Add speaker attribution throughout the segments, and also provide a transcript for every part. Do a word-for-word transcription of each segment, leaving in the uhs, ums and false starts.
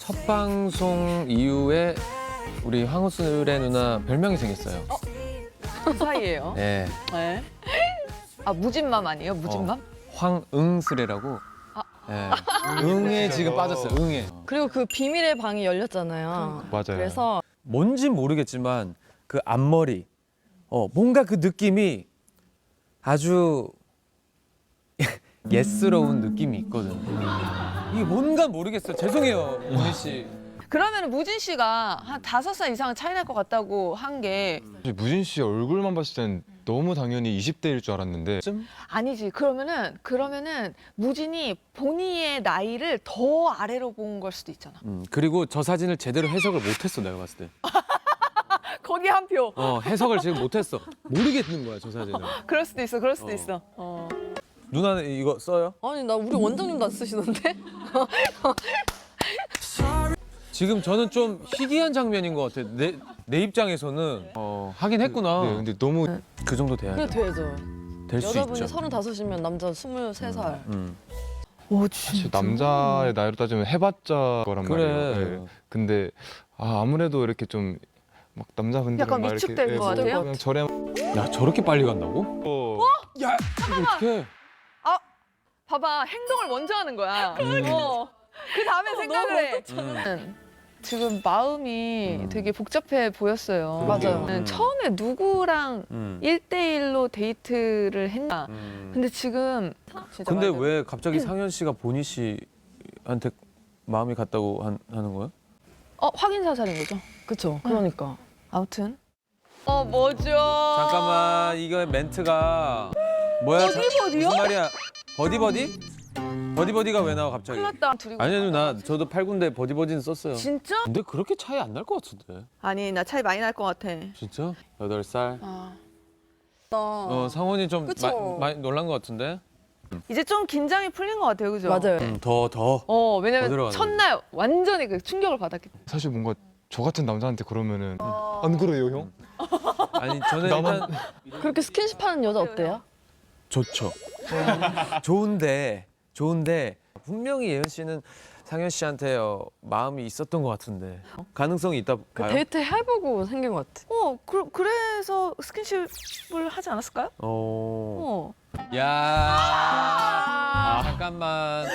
Speaker 1: 첫 방송 이후에 우리 황우슬의 누나 별명이 생겼어요.
Speaker 2: 어? 그 사이에요.
Speaker 1: 네.
Speaker 2: 네. 아 무진맘 아니에요? 무진맘?
Speaker 1: 어, 황응슬이라고.
Speaker 2: 아.
Speaker 1: 네. 응에 지금 빠졌어요. 응에.
Speaker 3: 그리고 그 비밀의 방이 열렸잖아요.
Speaker 4: 맞아요.
Speaker 3: 그래서
Speaker 1: 뭔진 모르겠지만 그 앞머리, 어 뭔가 그 느낌이 아주 예스러운 느낌이 있거든. 이게 뭔가 모르겠어요. 죄송해요, 문희 씨.
Speaker 2: 그러면 무진 씨가 한 다섯 살 이상 차이 날 것 같다고 한 게
Speaker 4: 무진 씨 얼굴만 봤을 땐 너무 당연히 이십 대일 줄 알았는데
Speaker 2: 아니지. 그러면은 그러면은 무진이 본인의 나이를 더 아래로 본 걸 수도 있잖아.
Speaker 1: 음, 그리고 저 사진을 제대로 해석을 못했어, 내가 봤을 때.
Speaker 2: 거기 한 표.
Speaker 1: 어, 해석을 지금 못했어. 모르겠는 거야, 저 사진을.
Speaker 2: 그럴 수도 있어. 그럴 수도
Speaker 1: 어.
Speaker 2: 있어. 어.
Speaker 1: 누나는 이거 써요?
Speaker 3: 아니 나 우리 원장님도 안 쓰시던데?
Speaker 1: 지금 저는 좀 희귀한 장면인 것 같아. 내, 내 입장에서는 어, 하긴 했구나.
Speaker 4: 네, 근데 너무
Speaker 1: 그 정도
Speaker 3: 그래
Speaker 1: 돼야죠.
Speaker 3: 돼야죠.
Speaker 1: 될 수
Speaker 3: 여자분이
Speaker 1: 있죠.
Speaker 3: 서른다섯이면 남자 스물세 살.
Speaker 1: 음.
Speaker 2: 오
Speaker 4: 사실 남자의 나이로 따지면 해봤자 거란
Speaker 1: 그래.
Speaker 4: 말이에요. 네. 근데 아, 아무래도 이렇게 좀 막 남자분들은
Speaker 2: 약간
Speaker 4: 막
Speaker 2: 위축될
Speaker 4: 이렇게
Speaker 2: 것
Speaker 4: 뭐
Speaker 2: 같아요?
Speaker 4: 그냥 저렴
Speaker 1: 야, 저렇게 빨리 간다고?
Speaker 4: 어.
Speaker 1: 야, 이거 어떡해.
Speaker 2: 봐봐. 행동을 먼저 하는 거야. 어. 그 다음에 생각을 해. 음. 지금 마음이
Speaker 1: 음.
Speaker 2: 되게 복잡해 보였어요.
Speaker 3: 맞아요.
Speaker 2: 음. 처음에 누구랑
Speaker 1: 음.
Speaker 2: 일 대일로 데이트를 했나?
Speaker 1: 음.
Speaker 2: 근데 지금 진짜
Speaker 1: 근데
Speaker 2: 말 그대로.
Speaker 1: 왜 갑자기 상현 씨가 보니 씨한테 마음이 갔다고 한, 하는 거야?
Speaker 2: 어 확인 사살인 거죠?
Speaker 3: 그쵸. 그러니까.
Speaker 2: 아무튼 어 뭐죠?
Speaker 1: 잠깐만, 이거 멘트가 뭐야? 자-
Speaker 2: 버디버디요?
Speaker 1: 무슨 말이야? 버디버디? 버디버디가 왜 나와 갑자기?
Speaker 2: 큰일 났다. 둘이
Speaker 1: 아니요, 누나. 저도 팔 군데 버디버디는 썼어요.
Speaker 2: 진짜?
Speaker 1: 근데 그렇게 차이 안 날 것 같은데.
Speaker 2: 아니 나 차이 많이 날 것 같아.
Speaker 1: 진짜? 여덟 살.
Speaker 2: 아.
Speaker 1: 어, 상원이 좀
Speaker 3: 그쵸.
Speaker 1: 마- 많이 놀란 것 같은데.
Speaker 2: 이제 좀 긴장이 풀린 것 같아요, 그죠?
Speaker 3: 맞아요.
Speaker 1: 음, 더 더.
Speaker 2: 어
Speaker 1: 더
Speaker 2: 왜냐면
Speaker 1: 들어가는
Speaker 2: 첫날 완전히 그 충격을 받았기 때문에.
Speaker 4: 사실 뭔가 저 같은 남자한테 그러면은 안 그래요 형?
Speaker 1: 아니 저는
Speaker 4: 나만-
Speaker 1: 일단
Speaker 3: 그렇게 스킨십 하는 여자 어때요?
Speaker 1: 좋죠. 좋은데 좋은데 분명히 예은 씨는 상현 씨한테 어, 마음이 있었던 것 같은데 가능성이 있다
Speaker 3: 그
Speaker 1: 봐요.
Speaker 3: 데이트 해보고 생긴 것 같아.
Speaker 2: 어 그, 그래서 스킨십을 하지 않았을까요?
Speaker 1: 어.
Speaker 2: 어.
Speaker 1: 야. 아, 잠깐만.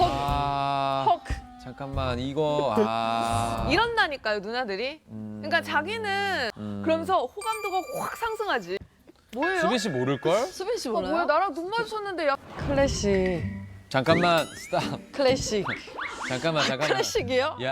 Speaker 1: 아.
Speaker 2: 헉
Speaker 1: 잠깐만 이거 아.
Speaker 2: 이런다니까요, 누나들이.
Speaker 1: 음.
Speaker 2: 그러니까 자기는
Speaker 1: 음.
Speaker 2: 그러면서 호감도가 확 상승하지. 뭐예요?
Speaker 1: 수빈 씨 모를 걸?
Speaker 3: 수빈 씨
Speaker 2: 어,
Speaker 3: 몰라요?
Speaker 2: 뭐야 나랑 눈 마주쳤는데 야.
Speaker 3: 클래식.
Speaker 1: 잠깐만 스탑.
Speaker 3: 클래식.
Speaker 1: 잠깐만 잠깐만.
Speaker 3: 클래식이요?
Speaker 1: 야.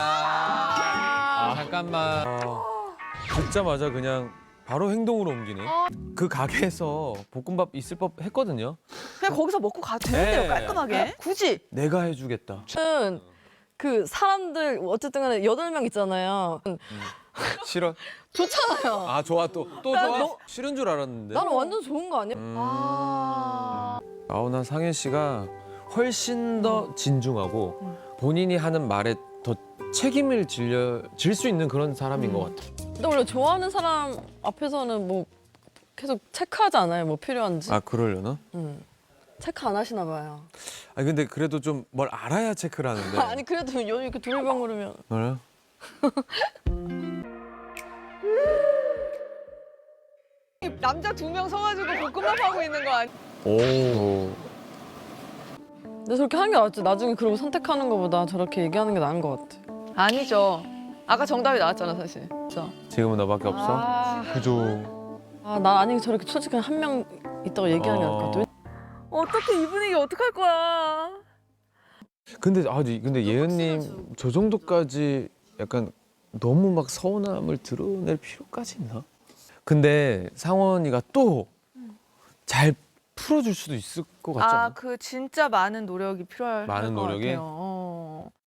Speaker 1: 아, 잠깐만. 어, 듣자마자 그냥 바로 행동으로 옮기네. 그 가게에서 볶음밥 있을 법 했거든요.
Speaker 2: 그냥 거기서 먹고 가도 되는데요,
Speaker 1: 네.
Speaker 2: 깔끔하게. 굳이.
Speaker 1: 내가 해주겠다.
Speaker 3: 저는 그 사람들 어쨌든 간에 여덟 명 있잖아요.
Speaker 1: 싫어?
Speaker 3: 좋잖아요.
Speaker 1: 아 좋아 또 또
Speaker 3: 난
Speaker 1: 좋아?
Speaker 3: 너-
Speaker 1: 싫은 줄 알았는데.
Speaker 3: 나는 완전 좋은 거 아니야?
Speaker 1: 음.
Speaker 2: 아.
Speaker 1: 아우 난 상현 씨가 훨씬 더 진중하고 본인이 하는 말에 더 책임을 질려 질 수 있는 그런 사람인 것 같아.
Speaker 3: 근데 원래 좋아하는 사람 앞에서는 뭐 계속 체크하지 않아요? 뭐 필요한지?
Speaker 1: 아 그러려나?
Speaker 3: 음. 체크 안 하시나 봐요.
Speaker 1: 아 근데 그래도 좀 뭘 알아야 체크를 하는데.
Speaker 3: 아니 그래도 요 이렇게 두리번 그러면
Speaker 1: 뭐야?
Speaker 2: 남자 두 명 서가지고 볶음밥 하고 있는 거 아니야?
Speaker 1: 오.
Speaker 3: 근데 저렇게 하는 게 낫지. 나중에 그러고 선택하는 것보다 저렇게 얘기하는 게 나은 것 같아.
Speaker 2: 아니죠. 아까 정답이 나왔잖아, 사실.
Speaker 3: 진짜.
Speaker 1: 지금은 너밖에 없어?
Speaker 2: 아,
Speaker 4: 그죠.
Speaker 3: 아, 나 아니 저렇게 솔직히 한 명 있다고 얘기하는 게 나을 것 같아.
Speaker 2: 어떻게 이 분위기 어떡할 거야?
Speaker 1: 근데 아 근데 예은님 저 정도까지 약간 너무 막 서운함을 드러낼 필요까지 있나? 근데 상원이가 또 잘 풀어줄 수도 있을 것 같지 않아?
Speaker 2: 아, 그 진짜 많은 노력이 필요할
Speaker 1: 많은
Speaker 2: 것
Speaker 1: 노력이?
Speaker 2: 같아요.